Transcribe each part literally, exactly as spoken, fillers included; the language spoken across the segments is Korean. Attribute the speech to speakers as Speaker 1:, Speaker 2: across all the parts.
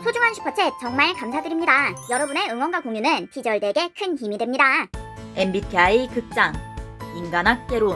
Speaker 1: 소중한 슈퍼챗 정말 감사드립니다. 여러분의 응원과 공유는 티저월드에게 큰 힘이 됩니다.
Speaker 2: 엠비티아이 극장 인간학 개론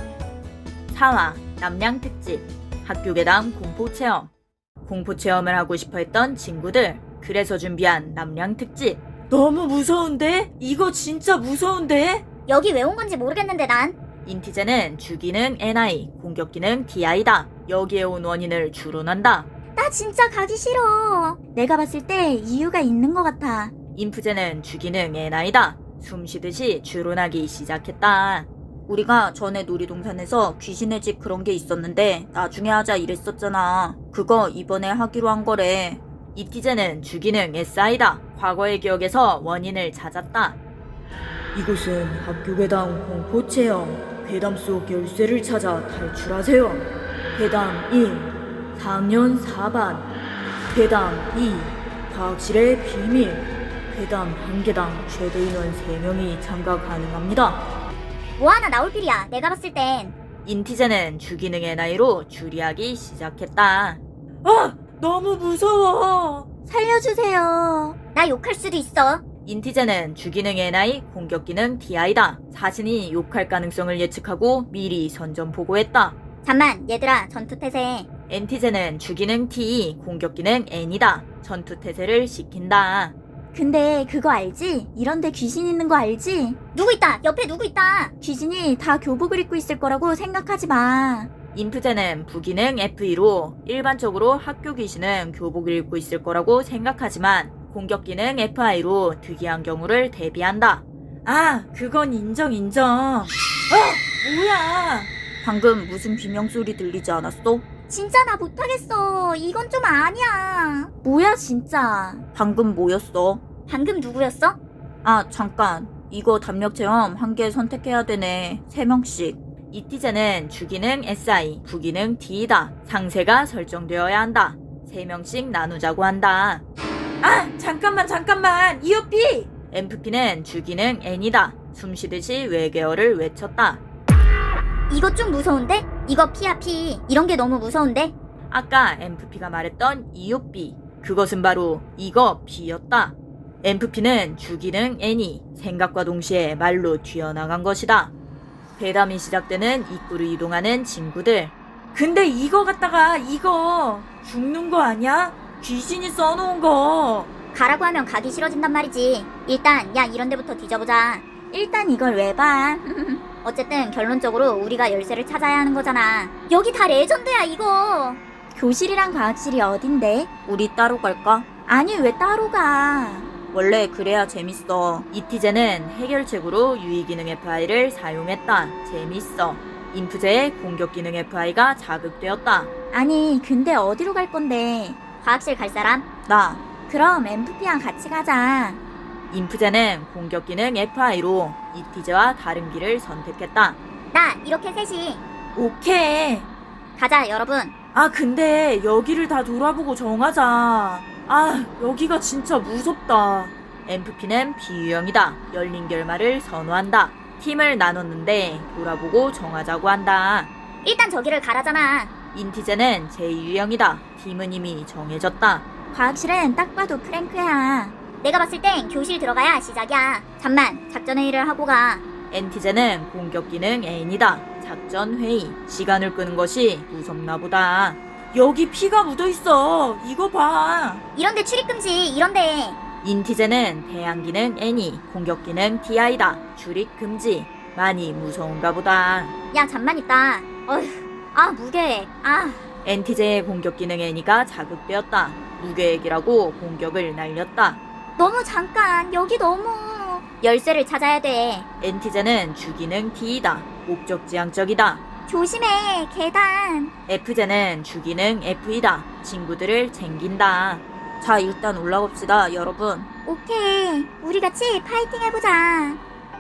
Speaker 2: 사 화 남량 특집 학교괴담 공포체험. 공포체험을 하고 싶어 했던 친구들, 그래서 준비한 남량 특집.
Speaker 3: 너무 무서운데? 이거 진짜 무서운데?
Speaker 1: 여기 왜 온 건지 모르겠는데 난.
Speaker 2: 인티제는 주기능 엔아이, 공격기능 디아이다. 여기에 온 원인을 추론한다.
Speaker 1: 나 진짜 가기 싫어. 내가 봤을 때 이유가 있는 것 같아.
Speaker 2: 인프제는 주기능 엔아이다. 숨쉬듯이 추론하기 시작했다.
Speaker 3: 우리가 전에 놀이동산에서 귀신의 집 그런 게 있었는데 나중에 하자 이랬었잖아. 그거 이번에 하기로 한 거래.
Speaker 2: 이티제는 주기능 에스아이다. 과거의 기억에서 원인을 찾았다.
Speaker 3: 이곳은 학교괴담 공포체험. 괴담 속 열쇠를 찾아 탈출하세요. 괴담 일, 사 학년 사 반. 괴담 이, 과학실의 비밀. 괴담 한 개당 최대 인원 세 명이 참가 가능합니다.
Speaker 1: 뭐 하나 나올 필이야. 내가 봤을 땐.
Speaker 2: 인티제는 주기능 엔아이로 추리하기 시작했다.
Speaker 3: 아! 너무 무서워!
Speaker 1: 살려주세요. 나 욕할 수도 있어.
Speaker 2: 인티제는 주기능 엔아이, 공격기능 디아이다. 자신이 욕할 가능성을 예측하고 미리 선전포고했다.
Speaker 1: 잠만 얘들아, 전투태세.
Speaker 2: 엔티제는 주기능 T, 공격기능 N이다. 전투태세를 시킨다.
Speaker 4: 근데 그거 알지? 이런데 귀신 있는 거 알지?
Speaker 1: 누구 있다. 옆에 누구 있다.
Speaker 4: 귀신이 다 교복을 입고 있을 거라고 생각하지 마.
Speaker 2: 인프제는 부기능 에프이로 일반적으로 학교 귀신은 교복을 입고 있을 거라고 생각하지만 공격기능 에프아이로 특이한 경우를 대비한다.
Speaker 3: 아, 그건 인정 인정. 아, 뭐야? 방금 무슨 비명소리 들리지 않았어?
Speaker 1: 진짜 나 못하겠어. 이건 좀 아니야.
Speaker 4: 뭐야 진짜.
Speaker 3: 방금 뭐였어?
Speaker 1: 방금 누구였어?
Speaker 3: 아, 잠깐. 이거 담력 체험 한 개 선택해야 되네. 세 명씩.
Speaker 2: 이티제는 주기능 에스아이, 부기능 D이다. 상세가 설정되어야 한다. 세 명씩 나누자고 한다.
Speaker 3: 아, 잠깐만 잠깐만. 이오피!
Speaker 2: 엠프피는 주기능 N이다. 숨쉬듯이 외계어를 외쳤다.
Speaker 1: 이거 좀 무서운데? 이거 피야 피. 이런 게 너무 무서운데?
Speaker 2: 아까 엠프피가 말했던 이오피, 그것은 바로 이거 B였다. 엠프피는 주기능 N이 생각과 동시에 말로 튀어나간 것이다. 괴담이 시작되는 입구를 이동하는 친구들.
Speaker 3: 근데 이거 갖다가 이거 죽는 거 아니야? 귀신이 써놓은 거.
Speaker 1: 가라고 하면 가기 싫어진단 말이지. 일단 야 이런 데부터 뒤져보자.
Speaker 4: 일단 이걸 왜 봐?
Speaker 1: 어쨌든 결론적으로 우리가 열쇠를 찾아야 하는 거잖아. 여기 다 레전드야 이거.
Speaker 4: 교실이랑 과학실이 어딘데?
Speaker 3: 우리 따로 갈까?
Speaker 4: 아니 왜 따로 가?
Speaker 3: 원래 그래야 재밌어.
Speaker 2: 이티제는 해결책으로 유의기능 에프아이를 사용했다. 재밌어. 인프제의 공격기능 에프아이가 자극되었다.
Speaker 4: 아니 근데 어디로 갈 건데?
Speaker 1: 과학실 갈 사람?
Speaker 3: 나.
Speaker 4: 그럼 엠프피랑 같이 가자.
Speaker 2: 인프제는 공격기능 에프아이로 이티제와 다른 길을 선택했다.
Speaker 1: 나 이렇게 셋이.
Speaker 3: 오케이.
Speaker 1: 가자 여러분.
Speaker 3: 아, 근데 여기를 다 돌아보고 정하자. 아, 여기가 진짜 무섭다.
Speaker 2: 엠프피는 비유형이다. 열린 결말을 선호한다. 팀을 나눴는데 돌아보고 정하자고 한다.
Speaker 1: 일단 저기를 가라잖아.
Speaker 2: 인티제는 제이유형이다. 팀은 이미 정해졌다.
Speaker 4: 과학실은 딱 봐도 프랭크야.
Speaker 1: 내가 봤을 땐 교실 들어가야 시작이야. 잠만 작전회의를 하고 가.
Speaker 2: 엔티제는 공격기능 N이다. 작전회의. 시간을 끄는 것이 무섭나 보다.
Speaker 3: 여기 피가 묻어있어. 이거 봐.
Speaker 1: 이런데 출입금지 이런데.
Speaker 2: 인티제는 대항기능 N이, 공격기능 디아이다. 출입금지. 많이 무서운가 보다.
Speaker 1: 야 잠만 있다. 어휴. 아 무게. 아.
Speaker 2: 엔티제의 공격기능 N이가 자극되었다. 무계획이라고 공격을 날렸다.
Speaker 1: 너무 잠깐. 여기 너무. 열쇠를 찾아야 돼.
Speaker 2: 엔티제는 주기능 T이다. 목적지향적이다.
Speaker 1: 조심해. 계단.
Speaker 2: F제는 주기능 F이다. 친구들을 챙긴다.
Speaker 3: 자, 일단 올라갑시다, 여러분.
Speaker 1: 오케이. 우리 같이 파이팅 해보자.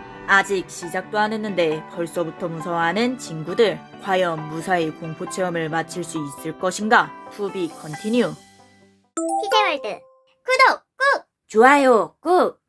Speaker 2: 아직 시작도 안 했는데 벌써부터 무서워하는 친구들. 과연 무사히 공포체험을 마칠 수 있을 것인가? To be continue.
Speaker 1: 피제월드 구독 꾹.
Speaker 3: 좋아요, 꾹!